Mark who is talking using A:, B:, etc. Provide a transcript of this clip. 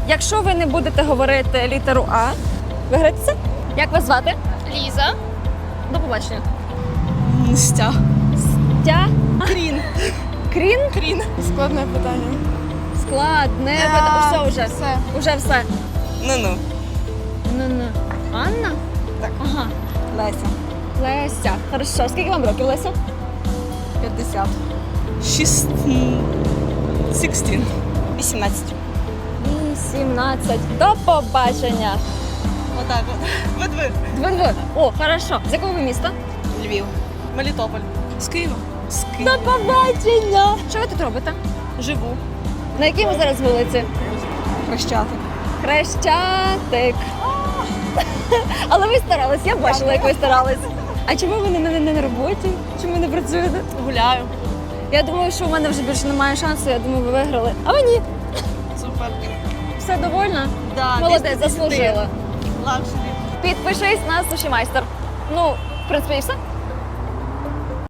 A: Якщо ви не будете говорити літеру А, виграєте це? Як вас звати?
B: Ліза.
A: До побачення.
C: Стя.
A: Тя?
C: Крін.
A: Крін?
C: Крін. Складне питання.
A: Складне. Все вже.
C: Все.
A: Уже все.
C: Ну-ну.
A: Ну-ну. Анна?
C: Так.
A: Ага.
C: Леся.
A: Леся. Хорошо. Скільки вам років, Леся?
C: 50. 16. 18.
A: 18. До побачення.
C: Отак от. Ви.
A: Дзвонь. О, хорошо. З якого ви міста?
C: Львів. Мелітополь. З Києва. З Києва.
A: До побачення. Що ви тут робите?
C: Живу.
A: На якій ви зараз вулиці?
C: Хрещатик.
A: Хрещатик. Але ви старались, я бачила, як ви старались. А чому ви не на роботі? Чому не працюєте?
C: Гуляю.
A: Я думаю, що у мене вже більше немає шансу, я думаю, ви виграли. А ви ні.
C: Супер.
A: Все довольна?
C: Да,
A: Молодець, заслужила.
C: Лакшері.
A: Підпишись на Суші Майстер. Ну, в принципі, і все.